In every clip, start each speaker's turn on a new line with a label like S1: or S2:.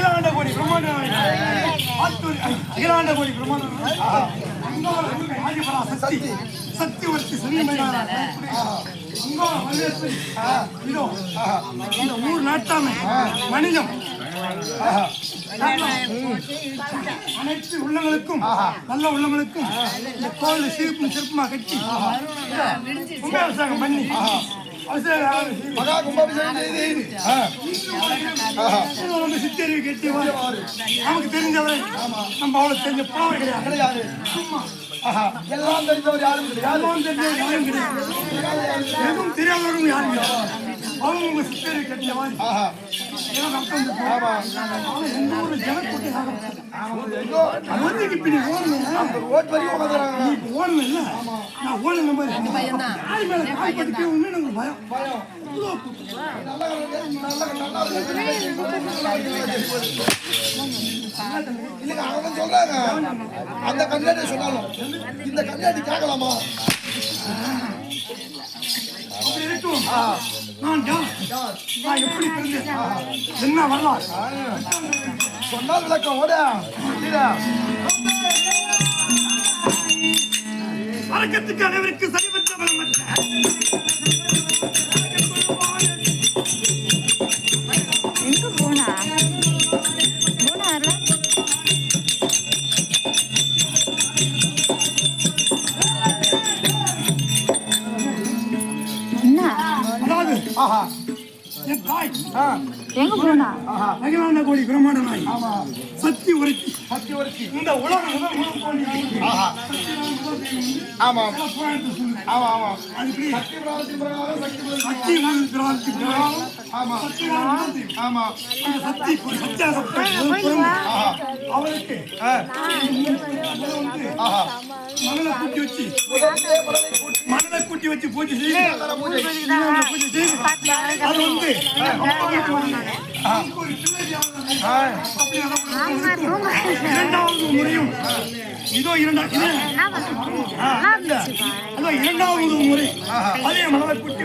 S1: அகிலாண்ட கோடி பிரம்மாண்ட அகிலாண்ட கோடி பிரம்மாண்ட சக்தி சக்தி வச்சு இதோ இந்த ஊர் நாட்டாமை மனிதம் அனைத்து உள்ளங்களுக்கும் நல்ல உள்ளங்களுக்கும் இந்த கோவில் சிறப்பு சிறப்புமா கட்டி கும்பாபிஷேகம் பண்ணி சித்தறிவு கட்டி நமக்கு தெரிஞ்சவரை நம்ம அவ்வளவு தெரிஞ்ச பாவை கிடையாது சும்மா எல்லாம் தெரிஞ்சவர் யாரும் கிடையாது எதுவும் தெரியாதவரும் யாரும் கிடையாது அவங்க உங்க சித்தறிவு கட்டிய மாதிரி எந்த ஒரு ஜனக்கூட்டம் ஓடணும் இல்ல நான் ஓடணும் பயம் இல்லைங்க அவங்க சொல்றாங்க அந்த கண்ணாடி சொன்னாலும் இந்த கண்ணாடி கேட்கலாமா என்ன வரலாம் சொன்னால் விளக்கம் ஓட வழக்கத்துக்கு அனைவருக்கு சரிபற்ற பலமற்ற
S2: எங்க போனா எங்க போனா
S1: அகிலாண்ட கோடி பிரம்மாண்ட நாய் சக்தி உரைச்சி இந்த உலகம் ஆமா ஆமா ஆமா சக்தி ஆமா ஆமா சக்தி அவருக்கு மணலை கூட்டி வச்சு பூஜை செய்து அது வந்து இரண்டாவது முறையும் இதோ இரண்டாவது முறை அதே மணலை கூட்டி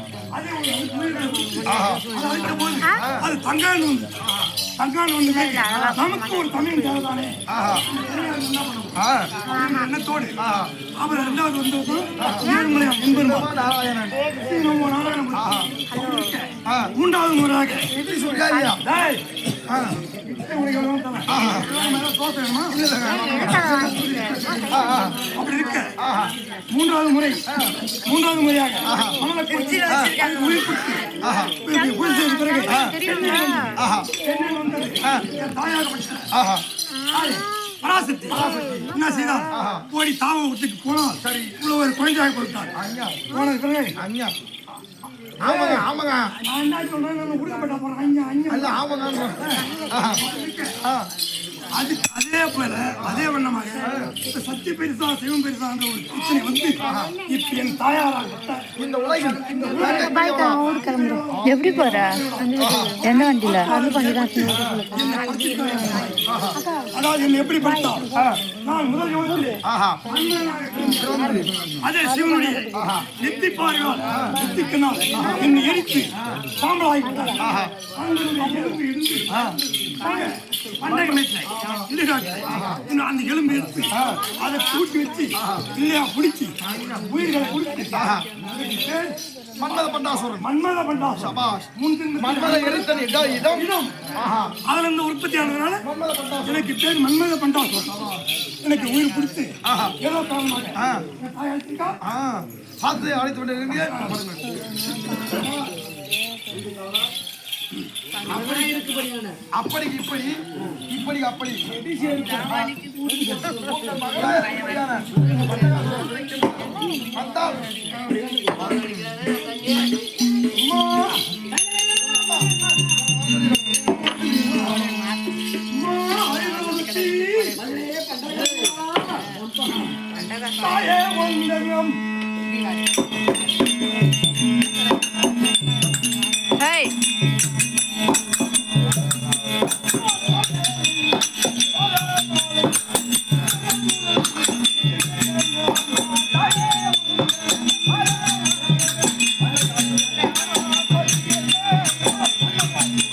S1: அது தங்கான் வந்து நமக்கு ஒரு தமிழ் தேவைதானே எண்ணத்தோடு அவர் இரண்டாவது வந்து மூன்றாவது முறையாக அப்படி இருக்க மூன்றாவது முறையாக உயிர் பிறகு பராசக்தி என்ன செய்தார் ஓடி தாவ விட்டுக்கு போனால் சரி இவ்வளவு ஒரு குழந்தையாக கொடுத்தார் போனது பிறகு ஆமாங்க ஆமாங்க நான் என்ன சொல்றேன் கொடுக்கப்பட்ட போறேன் ஆமாங்க அது அதே போல அதே வண்ணமாக சக்தி பெருசா சிவம் பெருசான்ற ஒரு பிரச்சனை வந்து இப்ப என் தாயாராக இந்த உலகில்
S2: எப்படி போற எந்த வண்டியில
S1: அதாவது என்ன எப்படி படித்தா நான் முதல் அதே சிவனுடைய நெத்தி பாருங்கள் நெத்திக்கினால் என்னை எரித்து சாம்பலாகிவிட்டார் அந்த எலும்பு எடுத்து அதை கூட்டி வச்சு இல்லையா பிடிச்சி உயிர்களை குடிச்சு மன்மத பண்டாசுரன் அதுல இருந்து உற்பத்தி ஆனதுனால எனக்கு பேர் மன்மத பண்டாசுரன் எனக்கு உயிர் பிடித்து ஏதோ காரணமாக பார்த்து அழைத்து கொண்டு அப்படி இப்படி இப்படி அப்படி வந்தால்